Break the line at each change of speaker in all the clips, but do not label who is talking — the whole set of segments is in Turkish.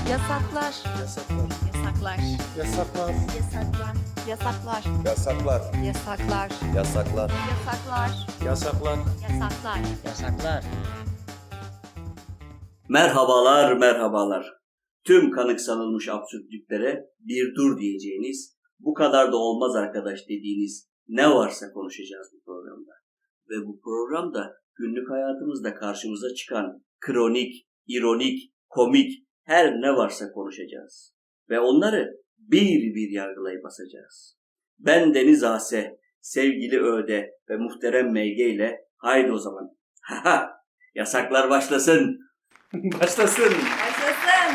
Yasaklar.
Yasaklar.
Yasaklar.
Yasaklar.
Yasaklar. Yasaklar.
Yasaklar.
Yasaklar.
Yasaklar.
Yasaklar.
Yasaklar.
Yasaklar.
Yasaklar.
Merhabalar, merhabalar. Tüm kanıksanılmış absürtlüklere bir dur diyeceğiniz, bu kadar da olmaz arkadaş dediğiniz ne varsa konuşacağız bu programda. Ve bu programda günlük hayatımızda karşımıza çıkan kronik, ironik, komik her ne varsa konuşacağız. Ve onları bir bir yargılayıp basacağız. Ben Deniz Ase, sevgili Öde ve muhterem MG ile haydi o zaman. Yasaklar başlasın.
Başlasın.
Başlasın.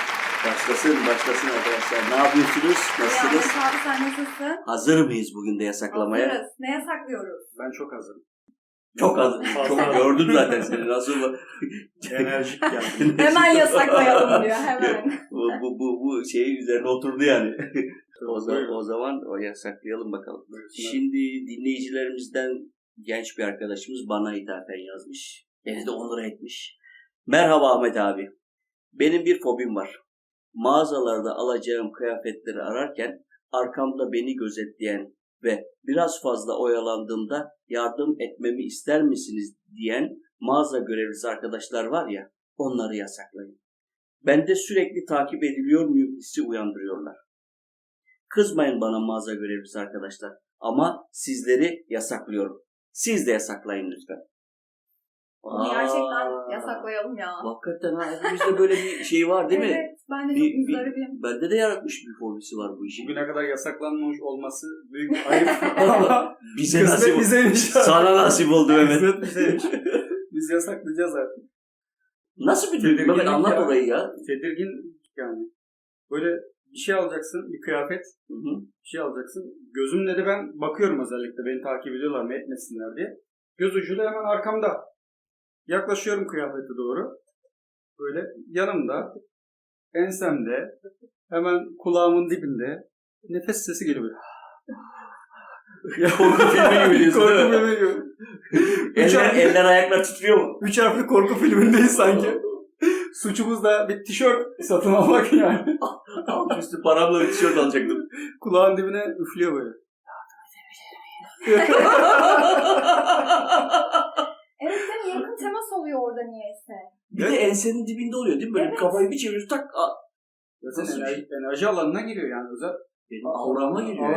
Başlasın arkadaşlar. Ne yapıyorsunuz? Nasılsınız?
Abi sen nasılsın?
Hazır mıyız bugün de yasaklamaya?
Hazırız. Ne yasaklıyoruz?
Ben çok hazırım.
Çok hazır. Çok gördüm zaten seni. Nasıl
Enerjik geldim.
Hemen yasaklayalım diyor hemen.
bu şeyin üzerine oturdu yani. o zaman o yasaklayalım bakalım. Şimdi dinleyicilerimizden genç bir arkadaşımız bana ithafen yazmış. Beni de onur etmiş. Merhaba Ahmet abi. Benim bir fobim var. Mağazalarda alacağım kıyafetleri ararken arkamda beni gözetleyen ve biraz fazla oyalandığımda yardım etmemi ister misiniz diyen mağaza görevlisi arkadaşlar var ya, onları yasaklayın. Bende sürekli takip ediliyor muyum hissi uyandırıyorlar. Kızmayın bana mağaza görevlisi arkadaşlar ama sizleri yasaklıyorum. Siz de yasaklayın lütfen.
Onu gerçekten yasaklayalım ya.
Hakikaten ha, hepimizde böyle bir şey var değil mi?
Evet, ben de çok müzdaribim.
Bende de yaratmış bir fobisi var bu işin.
Bugüne kadar yasaklanmamış olması büyük bir ayıp ama
Bize nasip oldu.
bizeymiş.
Sana nasip oldu Mehmet.
Kısmet bizeymiş. Biz yasaklayacağız artık.
Nasıl bir duygu? Mehmet anlat
ya.
orayı ya.
Tedirgin yani. Böyle bir şey alacaksın, bir kıyafet,
Hı-hı.
bir şey alacaksın. Gözümle de ben bakıyorum özellikle beni takip ediyorlar mı etmesinler diye. Göz ucuyla hemen arkamda. Yaklaşıyorum kıyafete doğru. Böyle yanımda, ensemde, hemen kulağımın dibinde nefes sesi geliyor böyle.
Korku filmi gibi diyorsun değil mi?
Korku filmi gibi.
Eller ayaklar titriyor mu?
3 harfli korku filmindeyiz sanki. Suçumuz da bir tişört satın almak yani.
Alt üstü paramla bir tişört alacaktım.
Kulağın dibine üflüyor böyle.
Evet değil mi? Yakın temas oluyor orada niyeyse.
Bir de ensenin dibinde oluyor değil mi? Böyle
Evet.
kafayı bir çeviriyorsun tak.
Zaten enerji alanına giriyor yani özel.
Benim aurama giriyor.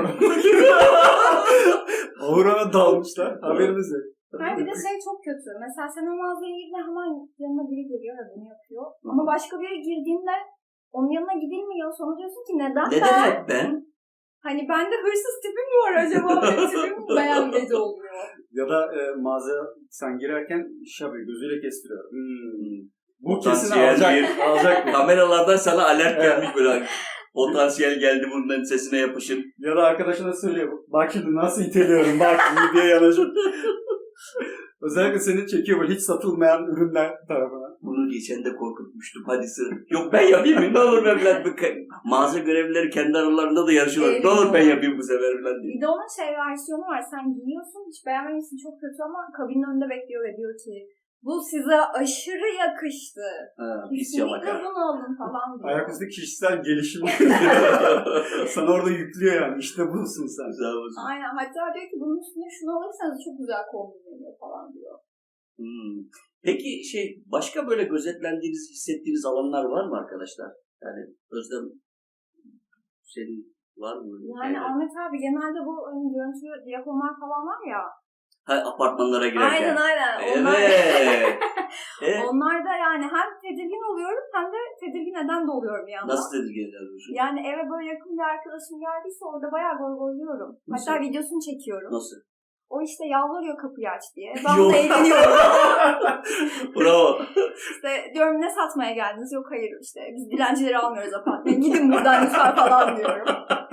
Aurana dalmışlar. Haberimiz yok.
Hayır bir de şey çok kötü. Mesela sen o mağazaya girdiğinde hemen yanına biri geliyor ve bunu yapıyor. Ama başka biri girdiğinde onun yanına gidilmiyor. Sonra diyorsun ki neden
Neden
ben?
hep ben?
Hani bende hırsız tipim mi var acaba? Benim tipim beğenmedi oluyor.
Ya da mağazaya sen girerken şabi gözüyle kestiriyor. Bu kesin
Potansiyel
alacak.
Kameralardan sana alert gelmiş böyle. Potansiyel geldi bunların sesine yapışın.
Ya da arkadaşına söylüyor. Bak şimdi nasıl iteliyorum bak diye yanaşıp. Özellikle seni çekiyor böyle hiç satılmayan ürünler tarafına.
Bunu geçen de korkutmuştum. Hadi sır. Yok ben yapayım mı? Ne olur ben falan. Mağaza görevlileri kendi aralarında da yarışıyorlar. Ne olur ben yapayım bu sefer falan diye.
Bir de onun şey versiyonu var. Sen giyiyorsun hiç beğenmemişsin çok kötü ama kabinin önünde bekliyor ve diyor ki bu size aşırı yakıştı.
Pis
Kesinlikle
yalaka.
bunu alın falan diyor.
Ayaküstü kişisel gelişim. Sana orada yüklüyor yani. İşte busun sen.
Güzel olsun.
Aynen. Hatta diyor ki bunun üstüne şunu alırsanız çok güzel kombinleniyor falan diyor.
Peki başka böyle gözetlendiğiniz, hissettiğiniz alanlar var mı arkadaşlar? Yani Özlem senin var mı?
Yani Ahmet abi genelde bu hani görüntü diyafonlar falan var ya.
Apartmanlara girerken.
Aynen.
Evet.
Onlar da yani hem tedirgin oluyorum hem de tedirgin eden de oluyorum bir yandan.
Nasıl tedirgin ediyorsun?
Yani eve böyle yakın bir arkadaşım geldiyse orada bayağı goygoyluyorum. Hatta videosunu çekiyorum.
Nasıl?
O işte yalvarıyor kapıyı aç diye. Ben de eğleniyorum.
Bravo.
İşte diyorum ne satmaya geldiniz? Yok hayır işte biz dilencileri almıyoruz apartmana. Gidin buradan lütfen falan diyorum.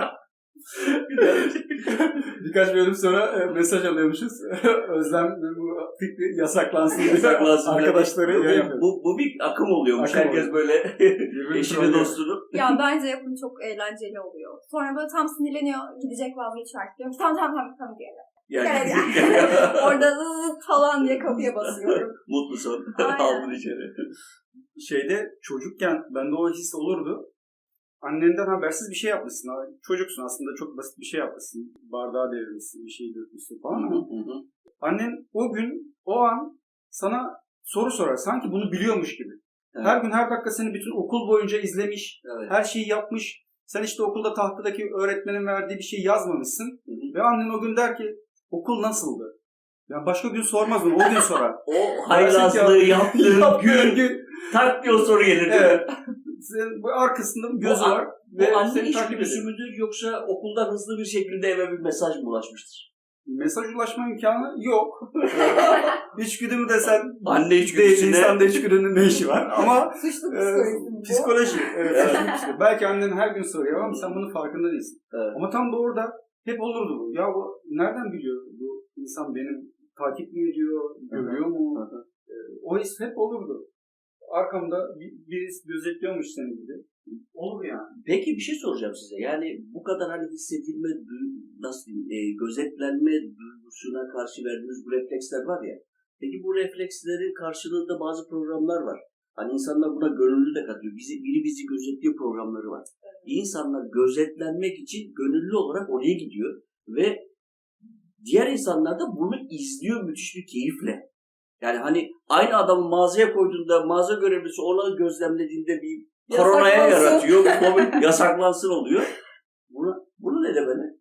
Birkaç bölüm sonra mesaj alıyormuşuz. Özlem bu fikri yasaklansın diye
Yasaklansın.
arkadaşları yapıyor.
Bu bir akım oluyormuş.
Akım
Herkes
oluyor.
böyle eşini dostunu.
Ya bence yapın çok eğlenceli oluyor. Sonra böyle tam sinirleniyor. Gidecek vazgeçer. Diyorum tamam diye.
Yani.
Orada zıt falan diye kapıya basıyorum.
Mutlu son.
Aynen.
Aldın içeri.
şeyde çocukken bende o his olurdu. Annenden habersiz bir şey yapmışsın. Çocuksun aslında, çok basit bir şey yapmışsın. Bardağı devirmişsin, bir şey dökmüşsün falan ama annen o gün, o an sana soru sorar. Sanki bunu biliyormuş gibi.
Evet.
Her gün, her dakika seni bütün okul boyunca izlemiş.
Evet.
Her şeyi yapmış. Sen işte okulda tahtadaki öğretmenin verdiği bir şey yazmamışsın. Ve annen o gün der ki okul nasıldı? Ya başka gün sormaz onu, o gün sorar.
O haylazlığı yaptığın gün tak bir o soru gelir değil mi?
Evet. Senin arkasında bir gözü var.
Ve anne
seni takip
içgüdüsü
ediyor.
müdür yoksa okuldan hızlı bir şekilde eve bir mesaj mı ulaşmıştır?
Mesaj ulaşma imkanı yok. İçgüdü mü desen
Anne
değil,
içgüdüsüne.
insanda içgüdünün ne işi var ama
Suçlu psikolojisi bu.
psikoloji. Evet, suçlu. Belki annen her gün soruyor ama sen bunun farkında değilsin.
Evet.
Ama tam da orada hep olurdu bu. Ya bu nereden biliyor bu insan benim takip mi ediyor, görüyor mu? O his hep olurdu. Arkamda birisi gözetliyormuş seni gibi. Olur yani.
Peki bir şey soracağım size. Yani bu kadar hani hissedilme, nasıl diyeyim, gözetlenme duygusuna karşı verdiğimiz bu refleksler var ya. Peki bu reflekslerin karşılığında bazı programlar var. Hani insanlar buna gönüllü de katıyor. Biri bizi gözetliyor programları var. İnsanlar gözetlenmek için gönüllü olarak oraya gidiyor ve diğer insanlar da bunu izliyor müthiş bir keyifle. Yani hani aynı adamı mağazaya koyduğunda mağaza görevlisi onu gözlemlediğinde bir koronaya yaratıyor. Yasaklansın oluyor. Bunu ne demeli?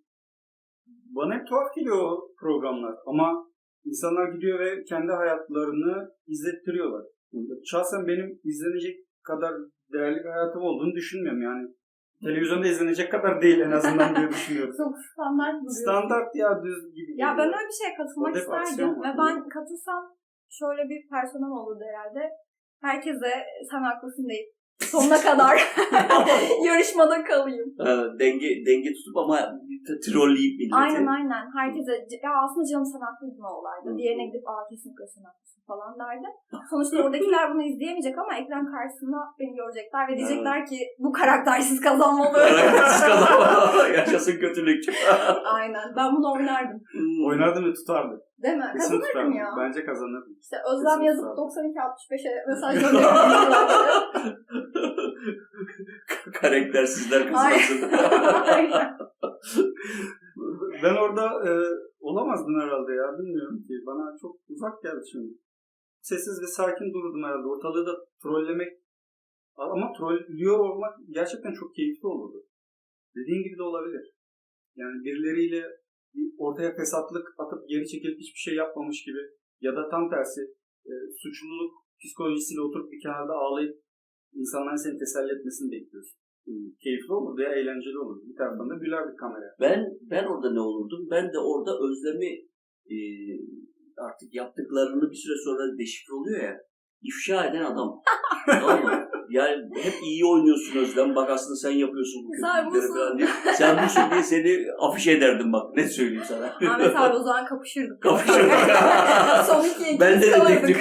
Bana hep tuhaf geliyor o programlar. Ama insanlar gidiyor ve kendi hayatlarını izlettiriyorlar. Şahsen benim izlenecek kadar değerli bir hayatım olduğunu düşünmüyorum yani. Televizyonda izlenecek kadar değil en azından diye düşünüyorum.
Çok standart duruyor.
Standart ya, düz gibi.
Ya ben öyle bir şeye katılmak
Orada hep aksiyon
isterdim.
var.
Ve ben katılsam şöyle bir personel olurdu herhalde. Herkese sen haklısın deyip sonuna kadar yarışmada kalayım.
Denge tutup ama trolleyip milleti.
Aynen. Herkese ya aslında canım sen haklıydın o olayda. Diğerine gidip kesinlikle sen haklısın falan derdim. Sonuçta oradakiler bunu izleyemeyecek ama ekran karşısında beni görecekler ve diyecekler ki bu karaktersiz kazanmalı.
Karaktersiz kazanmalı. Yaşasın kötülükçü.
Aynen. Ben bunu oynardım.
Oynardı ve tutardı.
Değil mi?
Kesin
Kazanırdım
tutardı.
ya.
Bence kazanırdı.
İşte Özlem
Kesin
yazıp
tutardı.
92-65'e mesaj gönderiyorum.
Karaktersizler kazansın.
Aynen.
Ben orada olamazdım herhalde ya, bilmiyorum ki. Bana çok uzak geldi şimdi. Sessiz ve sakin dururdum herhalde. Ortalığı da trollemek, ama trollüyor olmak gerçekten çok keyifli olurdu. Dediğin gibi de olabilir. Yani birileriyle ortaya fesatlık atıp geri çekilip hiçbir şey yapmamış gibi ya da tam tersi suçluluk psikolojisiyle oturup bir kenarda ağlayıp insanların seni teselli etmesini bekliyorsun. Keyifli olur veya eğlenceli olur. Bir taraftan da gülerdik kameraya.
Ben orada ne olurdum? Ben de orada Özlem'i artık yaptıklarını bir süre sonra deşifre oluyor ya. İfşa eden adam. Tamam mı? Yani hep iyi oynuyorsun Özlem. Bak aslında sen yapıyorsun bu kötülükleri falan diye. Sen busun diye seni afiş ederdim bak. Ne söyleyeyim sana.
Ahmet abi o zaman kapışırdık.
Kapışırdık.
Son iki
Ben de
kalırdık.
dedektif.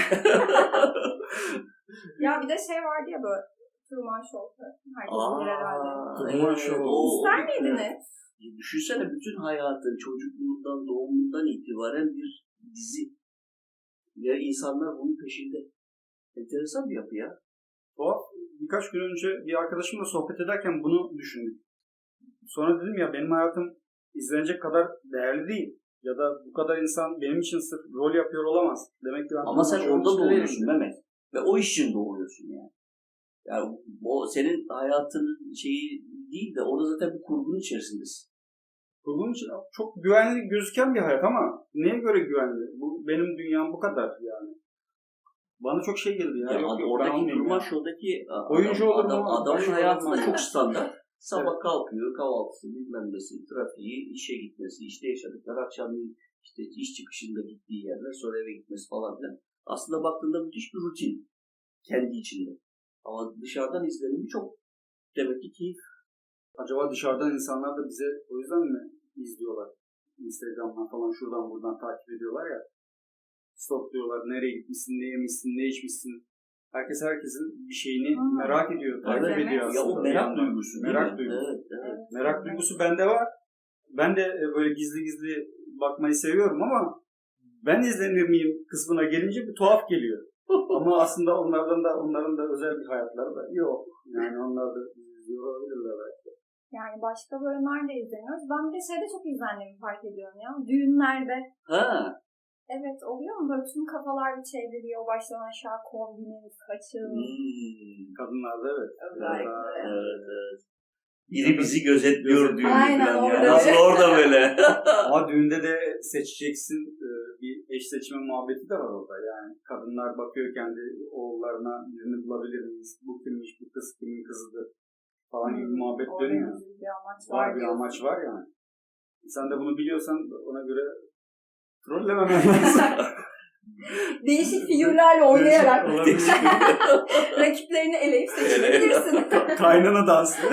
Ya bir de şey vardı ya böyle Truman Show. Herkes bilir herhalde.
Truman Show.
İster miydiniz?
Düşünsene bütün hayatın çocukluğundan, doğumundan itibaren bir dizi. Ya insanlar bunun peşinde. Enteresan bir yapı ya.
Birkaç gün önce bir arkadaşımla sohbet ederken bunu düşündüm. Sonra dedim ya benim hayatım izlenecek kadar değerli değil. Ya da bu kadar insan benim için sırf rol yapıyor olamaz. Demek ki ben
ama sen orada
değilim.
doğuyorsun Mehmet. Ve o iş için doğuyorsun yani. Yani o senin hayatının şeyi değil de orada zaten bir kurgunun içerisindesin.
Kurgunun için çok güvenli gözüken bir hayat ama neye göre güvenli? Bu benim dünyam bu kadar yani. Bana çok şey geldi ya. Yok,
oradaki Truman Show'daki
oyuncu
adamın hayatı da çok
standart.
standart. Sabah kalkıyor, kahvaltısı, bilmem nesi, trafiği, işe gitmesi, işte yaşadıkları, akşamleyin işte iş çıkışında gittiği yerler, sonra eve gitmesi falan filan. Aslında baktığında müthiş bir rutin kendi içinde. Ama dışarıdan izlenimi çok demek ki keyif.
Acaba dışarıdan insanlar da bize o yüzden mi izliyorlar? Instagram'dan falan şuradan buradan takip ediyorlar ya. Stokluyorlar. Nereye gitmişsin, ne yemişsin, ne içmişsin. Herkes herkesin bir şeyini merak ediyor, takip ediyor aslında.
Ya o merak duygusu.
Merak duygusu.
Evet.
Merak duygusu bende var. Ben de böyle gizli gizli bakmayı seviyorum ama ben izlenir miyim kısmına gelince bir tuhaf geliyor. Ama aslında onların da özel bir hayatları da yok. Yani onlar da izliyor olabilirler belki.
Yani başka böyle nerede izleniyoruz? Ben bir de şeyde çok izlendiğimi fark ediyorum ya. Düğünlerde.
Ha.
Evet, oluyor mu? Böyle tüm kafalar bir çevriliyor. Baştan aşağı kombinin, saçın.
Kadınlarda evet.
Özellikle.
Evet. Biri bizi gözetliyor düğünde
Aynen,
falan
orada
ya. Nasıl orada böyle?
Ama düğünde de seçeceksin, bir eş seçme muhabbeti de var orada. Yani kadınlar bakıyor kendi oğullarına birini bulabilir miyiz? Bu kimmiş, bu kız kimin kızıdır falan gibi bir muhabbet
Orada
dönüyor.
bir amaç
Var bir
diyorsun.
amaç var yani. Sen de bunu biliyorsan ona göre trollememen lazım.
Değişik figürlerle oynayarak
Olabilir.
rakiplerini eleyip seçebilirsin.
Kaynana dansı.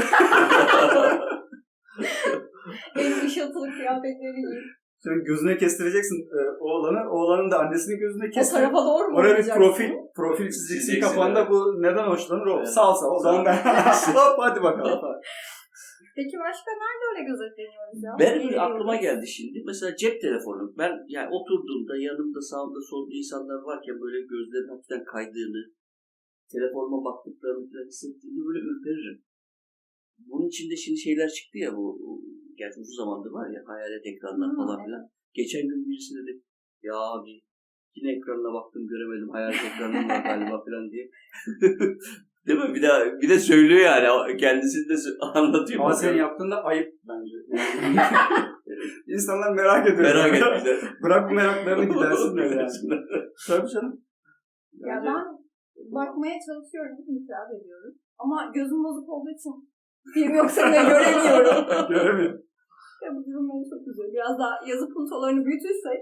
En ışıltılı kıyafetleri giyip.
Şimdi gözüne kestireceksin oğlanı. Oğlanın da annesinin gözüne
O
kestir.
tarafa doğru mu
Oraya bir
oynayacaksın?
profil çizeceksin
Çizeceksin,
kafanda.
evet.
Bu neden hoşlanır? O
Evet.
salsa. O zaman ben hop hadi bakalım.
Peki başka nerede öyle gözetleniyoruz ya?
Benim aklıma geldi şimdi. Mesela cep telefonu. Ben yani oturduğumda yanımda sağımda solda insanlar varken böyle gözlerin hafiften kaydığını, telefonuma baktıklarını falan hissettiğimde böyle ürperirim. Bunun içinde şimdi şeyler çıktı ya bu gerçi uzun zamandır var ya hayalet ekranlar falan filan. Geçen gün birisi dedi ya abi yine ekranına baktım göremedim hayalet ekranım var galiba falan diye. Değil mi? Bir de söylüyor yani. Kendisi de anlatıyor.
Ama senin yaptığın da ayıp bence. İnsanlar merak ediyor.
Merak ettiler.
Bırak bu meraklarını gidersin böyle yani. Tabii canım.
Ya ben bakmaya çalışıyorum, itiraf ediyorum. Ama gözüm bozuk olduğu için film yoksa bile göremiyorum.
Göremiyorum.
Ya bu durum beni çok üzüyor. Biraz daha yazı puntolarını büyütürsek.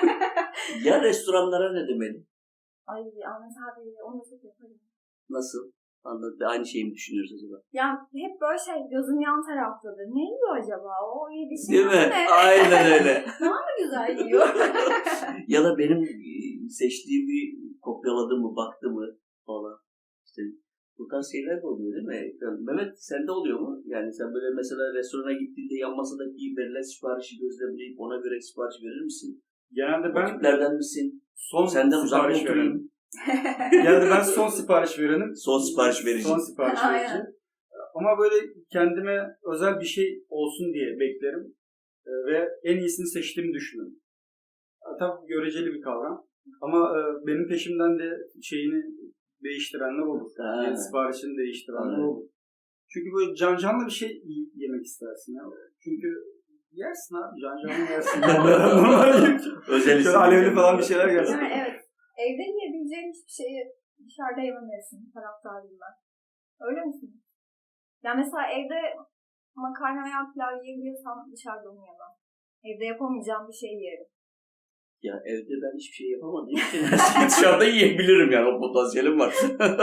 Ya restoranlara ne demeli?
Ay Ahmet abi onu da çok yaparım.
Nasıl? Anladım. Aynı şeyi mi düşünüyoruz acaba?
Yani hep böyle gözüm yan taraftadır. Ne yiyor acaba? O yedi şey
Değil mi?
ne?
Aynen öyle.
Daha mı güzel yiyor?
Ya da benim seçtiğimi kopyaladı mı, baktı mı falan. İşte bu tarz şeyler de oluyor değil mi? Mehmet sende oluyor mu? Yani sen böyle mesela restorana gittiğinde yan masadaki verilen siparişi gözlemleyip ona göre sipariş verir misin?
Genelde
O
ben
tiplerden misin?
son
Senden uzak mı
sipariş
oturayım?
verenim. Genelde ben son sipariş verenim.
Son sipariş verici.
Son sipariş verici.
Aynen.
Ama böyle kendime özel bir şey olsun diye beklerim. Ve en iyisini seçtiğimi düşünürüm. Tabii göreceli bir kavram. Ama benim peşimden de şeyini değiştirenler olur.
Ha.
Yani siparişini değiştirenler
Aynen.
olur. Çünkü böyle canlı bir şey yemek istersin ya. Çünkü yersin abi canlı yersin. Normal
Özel
şöyle alevli falan bir şeyler gelsin.
Yani evet. Evde yiyebileceğin hiçbir şeyi dışarıda yememelisin taraftarıyım ben. Öyle misin? Yani mesela evde makarna veya pilav yiyebiliyorsam dışarıda onu yemem. Evde yapamayacağım bir şey yerim.
Ya evde ben hiçbir şey yapamadığım için her şeyi dışarıda yiyebilirim yani o potansiyelim var.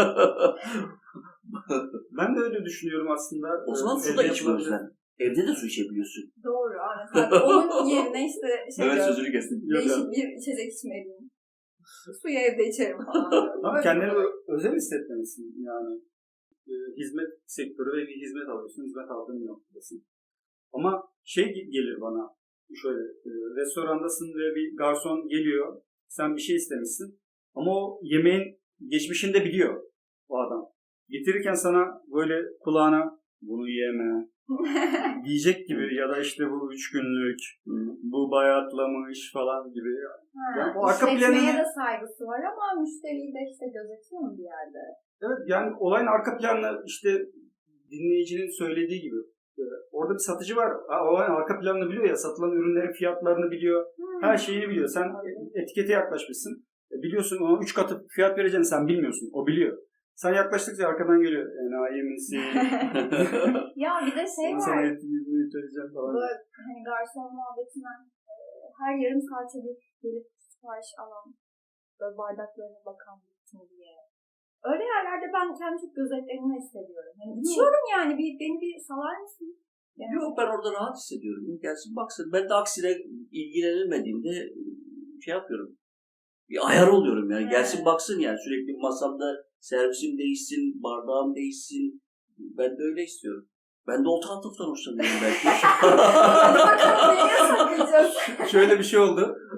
Ben de öyle düşünüyorum aslında.
O zaman su da içme Özlem. Evde de su içebiliyorsun.
Doğru. Ahmet abi. Onun yerine işte
Evet sözünü kestim.
değişik bir içecek içmeliyim. Suyu evde içerim falan.
Ama kendini özel hissetmelisin yani. Hizmet sektörü ve bir hizmet alıyorsun. Hizmet aldığın noktasın. Ama şey gelir bana şöyle restorandasın ve bir garson geliyor. Sen bir şey istemişsin. Ama o yemeğin geçmişini de biliyor o adam. Getirirken sana böyle kulağına bunu yeme diyecek gibi ya da işte bu 3 günlük, bu bayatlamış falan gibi. Yani o arka
İşletmeye
planını-
de saygısı var ama müşteriyi de işte gözetiyor mu bir yerde?
Evet yani olayın arka planı işte dinleyicinin söylediği gibi. Orada bir satıcı var. Olayın arka planını biliyor ya. Satılan ürünlerin fiyatlarını biliyor. Her şeyini biliyor. Sen etikete yaklaşmışsın. Biliyorsun ona 3 katı fiyat vereceğini sen bilmiyorsun. O biliyor. Sen yaklaştıkça arkadan geliyor. Enayi misin?
Ya bir de şey
Sana
var.
yüzünü söyleyeceğim falan.
Böyle hani garson muhabbetinden her yarım saate bir gelip sipariş alan, böyle bardaklarına bakan bütün diye. Öyle yerlerde ben kendimi çok gözetlenme hissediyorum. Yani içiyorum yani beni bir salar mısın? Yani.
Yok ben orada rahat hissediyorum. Gelsin baksın. Ben de aksine ilgilenilmediğimde şey yapıyorum. Bir ayar oluyorum yani.
Evet.
Gelsin baksın yani. Sürekli masamda servisim değişsin, bardağım değişsin. Ben de öyle istiyorum. Ben de o tatlılıktan hoşlanıyorum belki.
Hadi bakalım neye saklayacağız?
Şöyle bir şey oldu.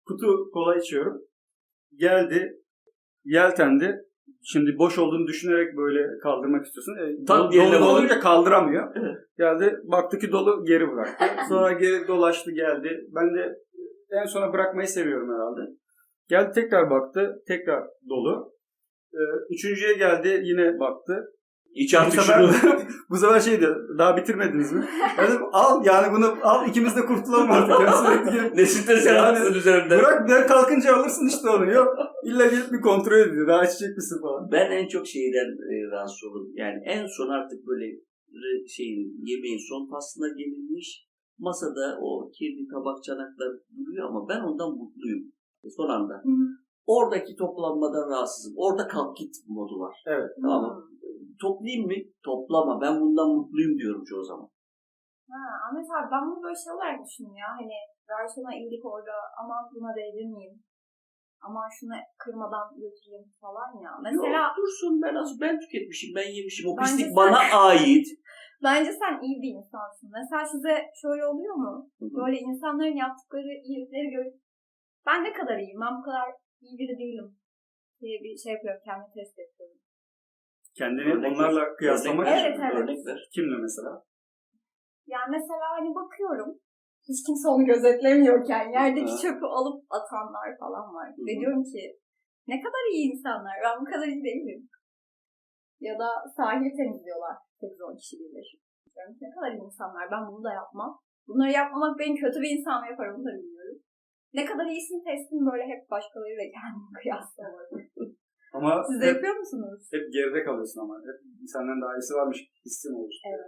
kutu kola içiyorum. Geldi, yeltendi. Şimdi boş olduğunu düşünerek böyle kaldırmak istiyorsun.
Tam yerine
dolu
bak.
olunca kaldıramıyor.
Evet.
Geldi, baktı ki dolu, geri bıraktı. Sonra geri dolaştı, geldi. Ben de en sona bırakmayı seviyorum herhalde. Geldi, tekrar baktı, tekrar dolu. Üçüncüye geldi, yine baktı.
İç
Bu
artık
sefer,
şunu.
bu sefer şeydi, daha bitirmediniz mi? Ben dedim, al yani bunu al, ikimiz de kurtulalım artık. Yani sürekli gelip,
Ne stres yaratsın üzerimden.
bırak ben kalkınca alırsın işte onu. Yok, illa gelip bir kontrol ediyor, daha içecek misin falan.
Ben en çok şeyden rahatsız olurum. Yani en son artık böyle yemeğin son faslına gelinmiş. Masada o kirli tabak çanaklar duruyor ama ben ondan mutluyum. Son anda.
Hı.
Oradaki toplanmadan rahatsızım. Orada kalk git modu var.
Evet.
Tamam mı? Toplayayım mı? Toplama. Ben bundan mutluyum diyorum çoğu zaman.
Ahmet abi ben bunu böyle şey olarak düşünüyorum ya. Hani garsona iyilik orada, aman buna değdirmeyeyim. Aman şunu kırmadan götüreyim falan ya. Mesela
Yok, dursun ben tüketmişim, ben yemişim. O
Bence
pislik
sen-
bana ait.
bence sen iyi bir insansın. Mesela size şöyle oluyor mu? Böyle insanların yaptıkları iyilikleri görüp ben ne kadar iyiyim, ben bu kadar iyi biri değilim diye bir şey yapıyorum, kendimi test yapıyorum.
Kendini
Örnek
onlarla
ver.
kıyaslamak
Evet,
için.
evet.
Örnek ver.
Kimle mesela?
Yani mesela hani bakıyorum, hiç kimse onu gözetlemiyorken yerdeki
Ha.
çöpü alıp atanlar falan var.
Hı.
Ve diyorum ki ne kadar iyi insanlar, ben bu kadar iyi değilim. Ya da sahili temizliyorlar 8-10 kişi bilir. Diyorum ki, ne kadar iyi insanlar, ben bunu da yapmam. Bunları yapmamak beni kötü bir insan mı yapar, onu da bilmiyorum. Ne kadar iyisin testim böyle hep başkalarıyla kendimi kıyaslamak.
Ama
Siz de
hep,
yapıyor musunuz?
hep geride kalıyorsun ama. Hep senden daha iyisi varmış hissin olur.
Evet.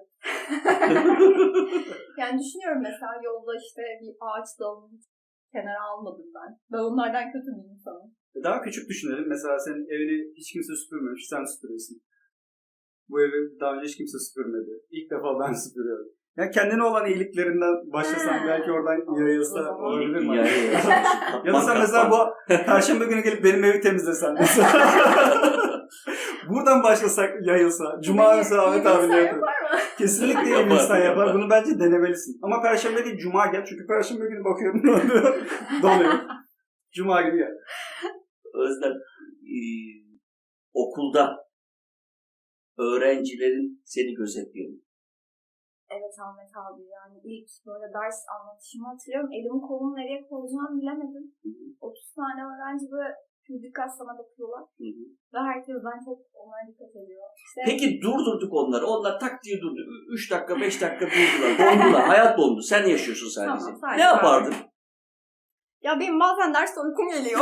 Yani düşünüyorum mesela yolda işte bir ağaç dalını kenara almadım ben. Ben onlardan kötü bir insanım.
Daha küçük düşünelim. Mesela senin evini hiç kimse süpürmemiş. Sen süpürüyorsun. Bu evi daha önce hiç kimse süpürmedi. İlk defa ben süpürüyorum. Yani kendine olan iyiliklerinden başlasan belki oradan yayılsa olabilir mi? Ya da sen mesela bu Perşembe günü gelip benim evi temizlesen mesela. Buradan başlasak yayılsa. Cuma mesela Ahmet abi
yapar
yapıyor.
mı?
Kesinlikle iyi bir
Yapar,
insan yapar.
yapar.
Bunu bence denemelisin. Ama Perşembe değil Cuma gel. Çünkü Perşembe günü bakıyorum doluyor. Cuma günü gel.
Özlem, okulda öğrencilerin seni gözetliyor.
Evet Ahmet abi, yani ilk böyle ders anlatışımı hatırlıyorum. Elimi kolumu nereye koyacağımı bilemedim. 30 tane öğrenci böyle dikkat sana bakıyorlar. Ve herkesten çok onlara dikkat ediyor. İşte,
Peki durdurduk onları. Onlar tak diye durdu. 3 dakika 5 dakika durdular. Dondular. Hayat dondu. Sen yaşıyorsun sadece.
Tamam, sadece
Ne yapardın?
ya benim bazen derste uykum geliyor.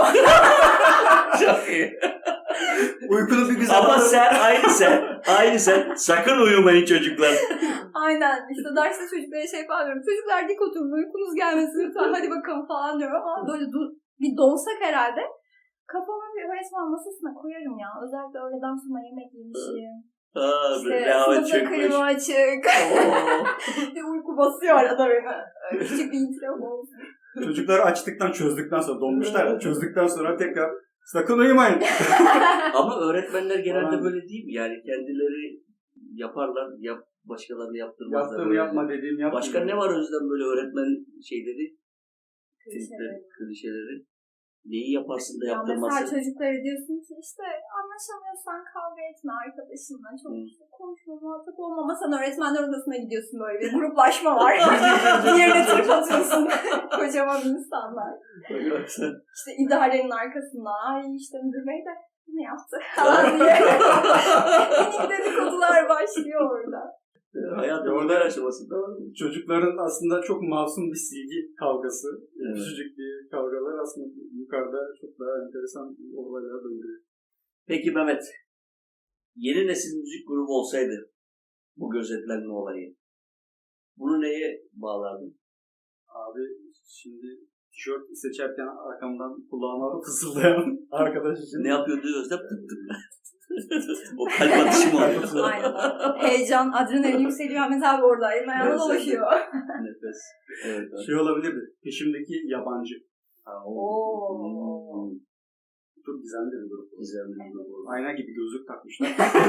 Çok iyi.
Uykunu bir güzel
Ama
alın.
aynı sen. Sakın uyumayın çocuklar.
Aynen. İşte derste çocuklara şey falan diyorum. Çocuklar dik oturun, uykunuz gelmesin lütfen, hadi bakalım falan diyorum. Ama böyle bir donsak herhalde kafamı bir öğretmen masasına koyarım ya. Özellikle öğleden sonra yemek yemişim. İşte sınıfta klima açık. Bir uyku basıyor arada beni. Küçük bir itiraf olsun.
Çocuklar açtıktan çözdükten sonra donmuşlar ya. Çözdükten sonra tekrar sakın uyumayın.
Ama öğretmenler genelde
Aynen.
böyle değil mi? Yani kendileri yaparlar, başkalarını yaptırmazlar.
Yaptığımı
Öyle.
yapma dediğim yapma.
Başka ne var Özlem böyle öğretmen şeyleri,
Klişeleri.
klişeleri? Neyi yaparsın da
Ya mesela
yaptırmazsın?
çocuklara diyorsun ki işte anlaşamıyorsan kavga etme arkadaşınla. Çok işte konuşma, muhatap olma. Ama sen öğretmenler odasına gidiyorsun, böyle bir gruplaşma var. Diğerine trip atıyorsun. Kocaman insanlar. İşte idarenin arkasında. Ay işte müdür bey de bunu yaptı falan diye. Minik dedikodular başlıyor orada.
Hayat
Orada-
orada aşamasında.
Çocukların aslında çok masum bir silgi kavgası.
Evet.
Küçücük bir kavgalar aslında yukarıda çok daha enteresan olaylar döndürüyor.
Peki Mehmet, yeni nesil müzik grubu olsaydı bu gözetlenme olayı, bunu neye bağlardın?
Abi şimdi tişört seçerken arkamdan kulağıma fısıldayan arkadaş için.
Ne yapıyordu Özlem? Tık tık. O kalp atışı mı oluyor?
Aynen. Heyecan, adrenalin yükseliyor. Ahmet abi orada. Elim ayağına
Evet,
dolaşıyor.
Nefes. Evet. evet.
Şey olabilirdi. Peşimdeki yabancı.
Oo.
Çok gizemli bir grup.
Güzel bir grup oldu.
Ayna gibi gözlük takmışlar.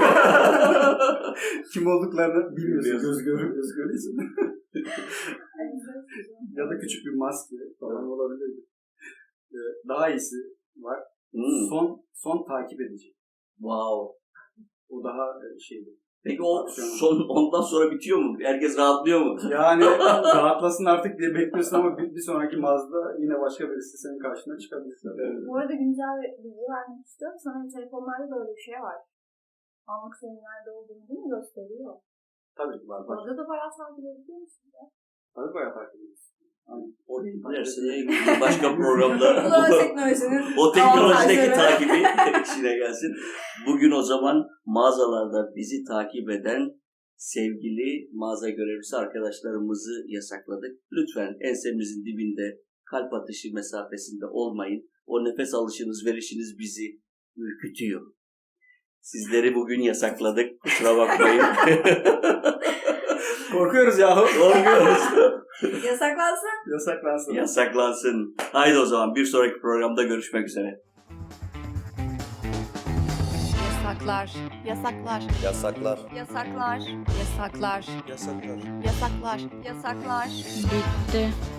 Kim olduklarını bilmiyorsun. Göz görüyorsun. Ya da küçük bir maske falan olabilirdi. daha iyisi var. Son takip edici.
Wow.
O daha şeydi.
Peki o son ondan sonra bitiyor mu? Herkes rahatlıyor mu?
Yani rahatlasın artık diye bekliyorsun ama bir sonraki Mazda yine başka birisi senin karşına çıkabilir. Evet.
Bu arada güncel bir bilgi vermek istiyorum. Sanırım telefonlarda da öyle bir şey var. Anlık senin nerede olduğunu değil mi gösteriyor?
Tabii var.
Orada da bayağı takip ediyor musun ya?
Tabii bayağı takip ediyorsun.
Oraya gidersin başka programda
Bu teknolojinin
o teknolojideki
avantajları.
takibi işine gelsin. Bugün o zaman mağazalarda bizi takip eden sevgili mağaza görevlisi arkadaşlarımızı yasakladık. Lütfen ensemizin dibinde kalp atışı mesafesinde olmayın. O nefes alışınız, verişiniz bizi ürkütüyor. Sizleri bugün yasakladık. Kusura bakmayın.
Korkuyoruz yahu.
Korkuyoruz.
Yasaklansın.
Yasaklansın.
Yasaklansın. Haydi o zaman bir sonraki programda görüşmek üzere.
Yasaklar. Yasaklar.
Yasaklar.
Yasaklar. Yasaklar.
Yasaklar.
Yasaklar. Yasaklar. Bitti.